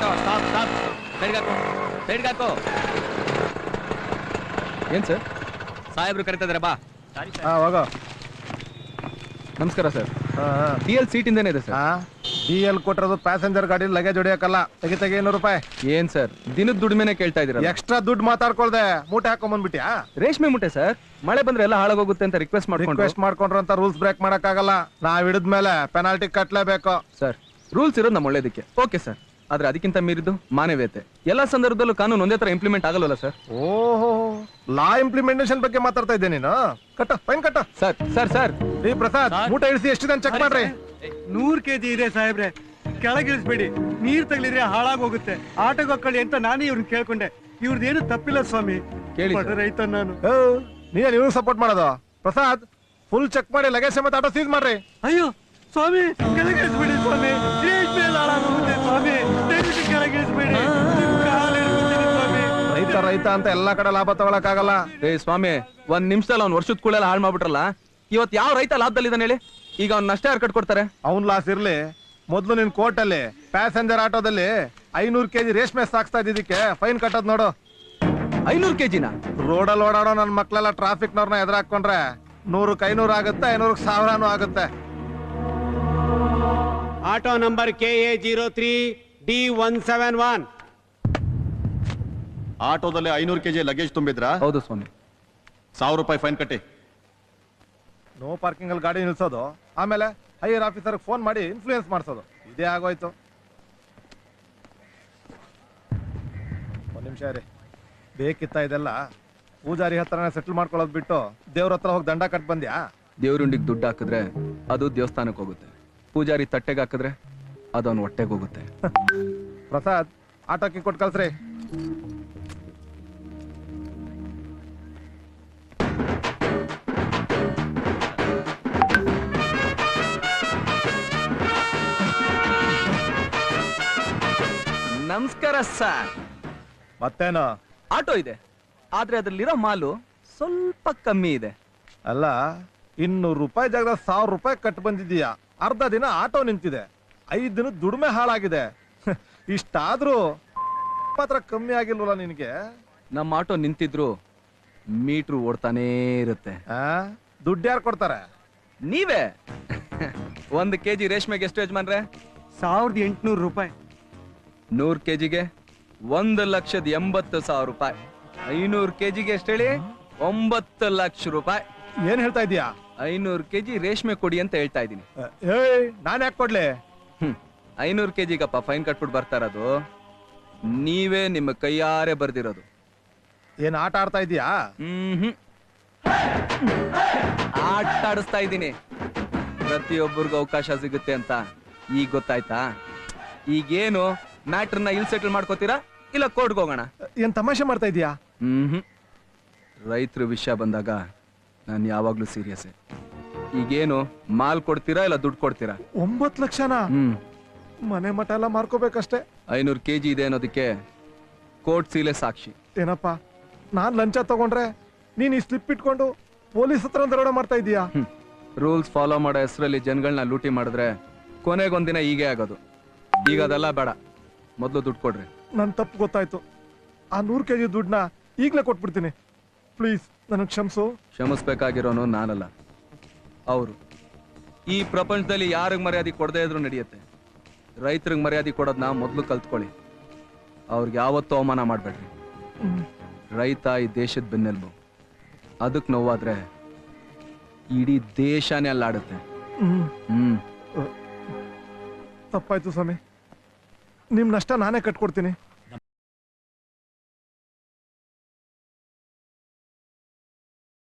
Stop stop ಸೈಡ್ಗೆ ಹಾಕು ಏನ್ ಸರ್ ಸಾಹೇಬ್ರು ಕರಿತಿದಾರೆ ಬಾ ಹೋಗೋ ನಮಸ್ಕಾರ ಸರ್ DL ಸೀಟ್ ಇಂದೇನೆ ಇದೆ ಸರ್ DL ಕೊಟ್ಟಿರೋದು ಪ್ಯಾಸೆಂಜರ್ ಗಾಡಿ ಲಗೇಜ್ ಹೊಡಿಯಕ್ಕಲ್ಲ ತೆಗಿ ₹200 ಏನ್ ಸರ್ ದಿನದ ದುಡಿಮೆನೆ ಕೇಳ್ತಾ ಇದೀರ ಎಕ್ಸ್ಟ್ರಾ ದುಡ್ಡು ಮಾತಾಡ್ಕೊಳ್ದೆ ಮೂಟೆ ಹಾಕೊಂಡ್ ಬಂದ್ಬಿಟ್ಯಾ ರೇಷ್ಮೆ ಮುಟ್ಟೆ ಸರ್ ಮಳೆ ಬಂದ್ರೆ ಎಲ್ಲ ಹಾಳಾಗೋಗುತ್ತೆ ಅಂತ ರಿಕ್ವೆಸ್ಟ್ ಮಾಡ್ಕೊಂಡ್ರಂತ ರೂಲ್ಸ್ ಬ್ರೇಕ್ ಮಾಡಕ್ಕಾಗಲ್ಲ ನಾವ್ ಹಿಡಿದ್ಮೇಲೆ ಪೆನಾಲ್ಟಿ ಕಟ್ಲೇಬೇಕು ಸರ್ ರೂಲ್ಸ್ ಇರೋದು ನಮ್ಮ ಒಳ್ಳೇದಕ್ಕೆ ಓಕೆ ಸರ್ ಆದ್ರೆ ಅದಕ್ಕಿಂತ ಮೀರಿದ್ದು ಮಾನವೀಯತೆ ಎಲ್ಲಾ ಸಂದರ್ಭದಲ್ಲೂ ಕಾನೂನು ಒಂದೇ ತರ ಇಂಪ್ಲಿಮೆಂಟ್ ಆಗಲ್ವಲ್ಲ ಸರ್ ಓಹೋ ಲಾ ಇಂಪ್ಲಿಮೆಂಟೇಷನ್ ಬಗ್ಗೆ ಮಾತಾಡ್ತಾ ಇದ್ದೆ ನೀನು ಕಟ್ಟ ಫೈನ್ ಕಟ್ಟ ಸರ್ ಸರ್ ಸರ್ ರೀ ಪ್ರಸಾದ್ ಮೂಟೆ ಇಳಿಸಿ ಎಷ್ಟಿದೆ ಚೆಕ್ ಮಾಡ್ರಿ 100 kg ಇದೆ ಸಾಹೇಬ್ರೆ ಕೆಳಗಿಳಿಸ್ಬೇಡಿ ನೀರ್ ತಗಲಿದ್ರೆ ಹಾಳಾಗೋಗುತ್ತೆ ಆಟೋಗೆ ಹಾಕೊಳ್ಳಿ ಅಂತ ನಾನೇ ಇವ್ರನ್ನ ಕೇಳ್ಕೊಂಡೆ ಇವ್ರದ್ದೇನು ತಪ್ಪಿಲ್ಲ ಸ್ವಾಮಿ ಕೇಳಿ ರೈತ ನಾನು ನೀನ್ ಇವ್ರಿಗೆ ಸಪೋರ್ಟ್ ಮಾಡೋದು ಪ್ರಸಾದ್ ಫುಲ್ ಚೆಕ್ ಮಾಡಿ ಲಗೇಜ್ ಸಮೇತ ಆಟೋ ಸೀಸ್ ಮಾಡ್ರಿ ಅಯ್ಯೋ ಸ್ವಾಮಿ ಕೆಳಗಿಳಿಸ್ಬೇಡಿ ಸ್ವಾಮಿ ರೇಷ್ಮೆ ಹಾಳಾಗೋಗುತ್ತೆ ಸ್ವಾಮಿ ದಯವಿಟ್ಟು ಕೆಳಗಿಳಿಸ್ಬೇಡಿ ಸ್ವಾಮಿ ರೈತ ಅಂತ ಎಲ್ಲಾ ಕಡೆ ಲಾಭ ತಗೊಳಕ್ಕಾಗಲ್ಲ ಏ ಸ್ವಾಮಿ ಒಂದ್ ನಿಮಿಷದಲ್ಲಿ ಅವ್ನ್ ವರ್ಷದ ಕೂಳೆಲ್ಲ ಹಾಳು ಮಾಡ್ಬಿಟ್ರಲ್ಲ ಇವತ್ ಯಾವ ರೈತ ಲಾಭದಲ್ಲಿದ್ದಾನೆ ಹೇಳಿ ಈಗ ಅವ್ನ ನಷ್ಟ ಯಾರು ಕಟ್ಕೊಡ್ತಾರೆ ಅವ್ನ್ ಲಾಸ್ ಇರ್ಲಿ ಮೊದ್ಲು ನಿನ್ ಕೋರ್ಟ್ ಅಲ್ಲಿ ಪ್ಯಾಸೆಂಜರ್ ಆಟೋದಲ್ಲಿ 500 kg ರೇಷ್ಮೆ ಸಾಕ್ಸ್ತಾ ಇದ್ದಿದ್ದಕ್ಕೆ ಫೈನ್ ಕಟ್ಟೋದ್ ನೋಡು 500 kg ರೋಡಲ್ಲಿ ಓಡಾಡೋ ನನ್ ಮಕ್ಳೆಲ್ಲ ಟ್ರಾಫಿಕ್ ನವ್ರನ್ನ ಎದುರಾಕೊಂಡ್ರೆ 100ಕ್ಕೆ 500 ಆಗುತ್ತೆ 500ಕ್ಕೆ 1000 ಆಗುತ್ತೆ ಆಟೋ ನಂಬರ್ KA03 D171 ಆಟೋದಲ್ಲಿ 500 kg ಲಗೇಜ್ ತುಂಬಿದ್ರಾ? ಹೌದು ಸ್ವಾಮಿ. ₹1000 ಫೈನ್ ಕಟ್ಟಿ. ನೋ ಪಾರ್ಕಿಂಗ್ ಅಲ್ಲಿ ಗಾಡಿ ನಿಲ್ಸೋದು, ಆಮೇಲೆ ಹೈಯರ್ ಆಫೀಸರ್ ಫೋನ್ ಮಾಡಿ ಇನ್ಫ್ಲೂಯೆನ್ಸ್ ಮಾಡಿಸೋದು, ಇದೇ ಆಗೋಯ್ತು. ಒಂದ್ ನಿಮಿಷ ರೀ, ಬೇಕಿತ್ತ ಇದೆಲ್ಲ? ಪೂಜಾರಿ ಹತ್ರನೇ ಸೆಟ್ಲ್ ಮಾಡ್ಕೊಳ್ಳೋದು ಬಿಟ್ಟು ದೇವ್ರ ಹತ್ರ ಹೋಗಿ ದಂಡ ಕಟ್ ಬಂದ್ಯಾ? ದೇವ್ರುಂಡಿಗೆ ದುಡ್ಡು ಹಾಕಿದ್ರೆ ಅದು ದೇವಸ್ಥಾನಕ್ಕೆ ಹೋಗುತ್ತೆ, ಪೂಜಾರಿ ತಟ್ಟೆಗೆ ಹಾಕಿದ್ರೆ ಅದು ಅವನ ಹೊಟ್ಟೆಗೆ ಹೋಗುತ್ತೆ. ಪ್ರಸಾದ್, ಆಟೋಕ್ಕೆ ಕೊಟ್ಟು ಕಳ್ಸ್ರಿ. ನಮಸ್ಕಾರ ಸರ್. ಮತ್ತೇನು? ಆಟೋ ಇದೆ, ಆದ್ರೆ ಅದ್ರಲ್ಲಿರೋ ಮಾಲು ಸ್ವಲ್ಪ ಕಮ್ಮಿ ಇದೆ. ಅಲ್ಲ, ₹200 ಜಾಗದ ₹1000 ಕಟ್ ಬಂದಿದ್ದೀಯಾ, ಅರ್ಧ ದಿನ ಆಟೋ ನಿಂತಿದೆ, 5 ದಿನ ದುಡಿಮೆ ಹಾಳಾಗಿದೆ. ಇಷ್ಟಾದ್ರೂ ಮಾತ್ರ ಕಮ್ಮಿ ಆಗಿಲ್ವಲ್ಲ ನಿನಗೆ? ನಮ್ಮ ಆಟೋ ನಿಂತಿದ್ರು ಮೀಟ್ರು ಓಡ್ತಾನೇ ಇರುತ್ತೆ. ದುಡ್ಡು ಯಾರು ಕೊಡ್ತಾರೆ? ನೀವೇ. 1 kg ರೇಷ್ಮೆಗೆ ಎಷ್ಟು ಯಜಮಾನ್ರೆ? ₹1800. 100 kgಗೆ 1,80,000. 500 kgಗೆ ಎಷ್ಟು ಹೇಳಿ? 9 ಲಕ್ಷ ರೂಪಾಯಿ. ಏನ್ ಹೇಳ್ತಾ ಇದೀಯಾ? 500 kg ರೇಷ್ಮೆ ಕೊಡಿ ಅಂತ ಹೇಳ್ತಾ ಇದೀನಿ. ನಾನ್ ಯಾಕೆ ಕೊಡ್ಲಿ? 500 kgಗಪ್ಪ ಫೈನ್ ಕಟ್ಬಿಟ್ಟು ಬರ್ತಾ ಇರೋದು. ನೀವೇ ನಿಮ್ಮ ಕೈಯಾರೆ ಬರ್ದಿರೋದು. ಏನ್ ಆಟ ಆಡ್ತಾ ಇದೀಯಾ? ಆಟ ಆಡಿಸ್ತಾ ಇದ್ದೀನಿ. ಪ್ರತಿಯೊಬ್ಬರಿಗೂ ಅವಕಾಶ ಸಿಗುತ್ತೆ ಅಂತ ಈಗ ಗೊತ್ತಾಯ್ತಾ? ಈಗೇನು ಮ್ಯಾಟ್ರನ್ನ ಇಲ್ಲಿ ಸೆಟಲ್ ಮಾಡ್ಕೋತೀರಾ ಇಲ್ಲ ಕೋರ್ಟ್ಗೆ ಹೋಗೋಣ? ಏನ್ ತಮಾಷೆ ಮಾಡ್ತಾ ಇದೀಯಾ? ರೈತರ ವಿಷಯ ಬಂದಾಗ ನಾನು ಯಾವಾಗ್ಲೂ ಸೀರಿಯಸ್. ಈಗೇನು ಮಾಲ್ ಕೊಡ್ತೀರಾ ಇಲ್ಲ ದುಡ್ಡು ಕೊಡ್ತೀರಾ? 9 ಲಕ್ಷನಾ? ಮನೆ ಮಠ ಎಲ್ಲ ಮಾರ್ಕೋಬೇಕಷ್ಟೇ. 500 kg ಇದೆ ಅನ್ನೋದಕ್ಕೆ ಕೋರ್ಟ್ ಸೀಲೆ ಸಾಕ್ಷಿ. ಏನಪ್ಪ, ನಾನ್ ಲಂಚ ತಗೊಂಡ್ರೆ ನೀನ್ ಈ ಸ್ಲಿಪ್ ಇಟ್ಕೊಂಡು ಪೊಲೀಸ್ ಹತ್ರ ದರೋಡೆ ಮಾಡ್ತಾ ಇದೀಯಾ? ರೂಲ್ಸ್ ಫಾಲೋ ಮಾಡೋ ಹೆಸರಲ್ಲಿ ಜನಗಳನ್ನ ಲೂಟಿ ಮಾಡಿದ್ರೆ ಕೊನೆಗೊಂದಿನ ಹೀಗೆ ಆಗೋದು. ಈಗ ಅದೆಲ್ಲ ಬೇಡ, ಮೊದಲು ದುಡ್ಡು ಕೊಡ್ರಿ. ನನ್ ತಪ್ಪು ಗೊತ್ತಾಯ್ತು. ಆ 100 kg ದುಡ್ಡನ್ನ ಈಗ್ಲೇ ಕೊಟ್ಬಿಡ್ತೀನಿ. ಪ್ಲೀಸ್ ನನಗೆ ಕ್ಷಮಿಸು. ಕ್ಷಮಿಸ್ಬೇಕಾಗಿರೋನು ನಾನಲ್ಲ, ಅವರು. ಈ ಪ್ರಪಂಚದಲ್ಲಿ ಯಾರಿಗ್ ಮರ್ಯಾದೆ ಕೊಡದೇ ಇದ್ರು ನಡೆಯುತ್ತೆ. ರೈತರಿಗೆ ಮರ್ಯಾದೆ ಕೊಡೋದನ್ನ ಮೊದಲು ಕಲ್ತ್ಕೊಳ್ಳಿ. ಅವ್ರಿಗೆ ಯಾವತ್ತೂ ಅವಮಾನ ಮಾಡ್ಬೇಡ್ರಿ. ರೈತ ಈ ದೇಶದ ಬೆನ್ನೆಲುಬು. ಅದಕ್ಕೆ ನೋವಾದ್ರೆ ಇಡೀ ದೇಶನೇ ಅಲ್ಲಾಡುತ್ತೆ. ತಪ್ಪಾಯ್ತು ಸ್ವಾಮಿ, ನಿಮ್ ನಷ್ಟ ನಾನೇ ಕಟ್ಕೊಡ್ತೀನಿ.